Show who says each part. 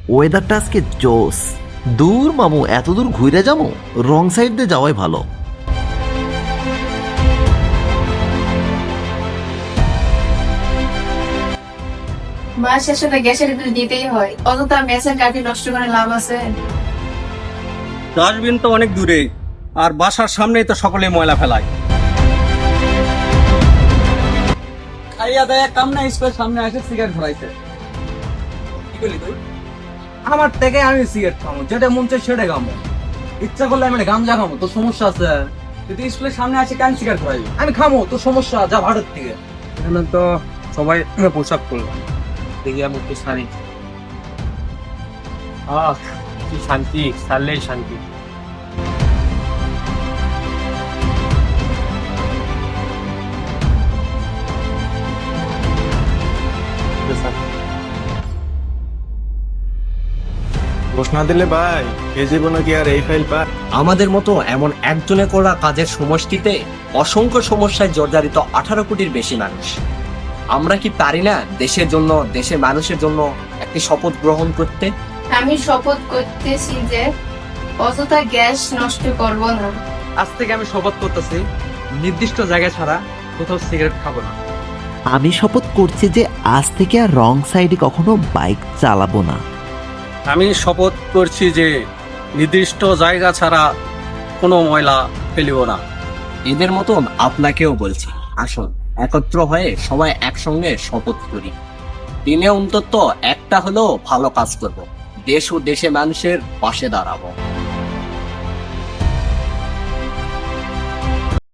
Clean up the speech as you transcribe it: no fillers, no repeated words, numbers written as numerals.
Speaker 1: ওয়েদারটা আজকে জোস। দূর মামু, এত দূর ঘুরে যাবো? রং সাইড দিয়ে যাওয়াই ভালো।
Speaker 2: মাস শেষে তো গ্যাসের বিল দিতেই হয়, অযথা মেসের কাঠি নষ্ট করে লাভ আছে?
Speaker 3: ডাস্টবিন তো অনেক দূরে, আর বাসার সামনেই তো সকলে ময়লা ফেলায়। খাইয়া দেয় কাম না, স্কুলের সামনে এসে সিগারেট ধরাইছে। কি করলি তুই?
Speaker 4: আমার থেকে আমি সিগারেট খামো, যেটা মন চাই সেটা খামো। ইচ্ছা করলে আমি গাঞ্জা খামো, তোর সমস্যা আছে?
Speaker 3: তুই স্কুলের সামনে আসে কেন সিগারেট ধরাইবি?
Speaker 4: আমি খামো, তোর সমস্যা, যা ভারত থেকে।
Speaker 3: এখানে তো সবাই পোশাক করলো, দেখি আমি একটু সারি। কি শান্তি, সারলেই শান্তি।
Speaker 5: ঘোষ না দিলে ভাই এ জীবনে কি আর এই ফাইল পা?
Speaker 6: আমাদের মতো এমন একজনে করা কাজের সমষ্টিতে অসংখ্য সমস্যায় জর্জরিত 18 কোটির বেশি মানুষ। আমরা কি পারি না দেশের জন্য, দেশের মানুষের জন্য একটি শপথ গ্রহণ করতে?
Speaker 2: আমি শপথ করতেছি যে অযথা গ্যাস নষ্ট করব না।
Speaker 4: আজ থেকে আমি শপথ করতেছি, নির্দিষ্ট জায়গা ছাড়া কোথাও সিগারেট খাবো না।
Speaker 1: আমি শপথ করছি যে আজ থেকে আর রং সাইডে কখনো বাইক চালাবো না।
Speaker 3: আমি শপথ করছি যে নির্দিষ্ট জায়গা ছাড়া কোনো ময়লা ফেলিব না।
Speaker 6: এদের মতন আপনাকেও বলছি, আসুন একত্র হয়ে সবাই একসঙ্গে শপথ করি। দিনে অন্তত একটা হলেও ভালো কাজ করব, দেশ ও দেশে মানুষের পাশে দাঁড়াবো।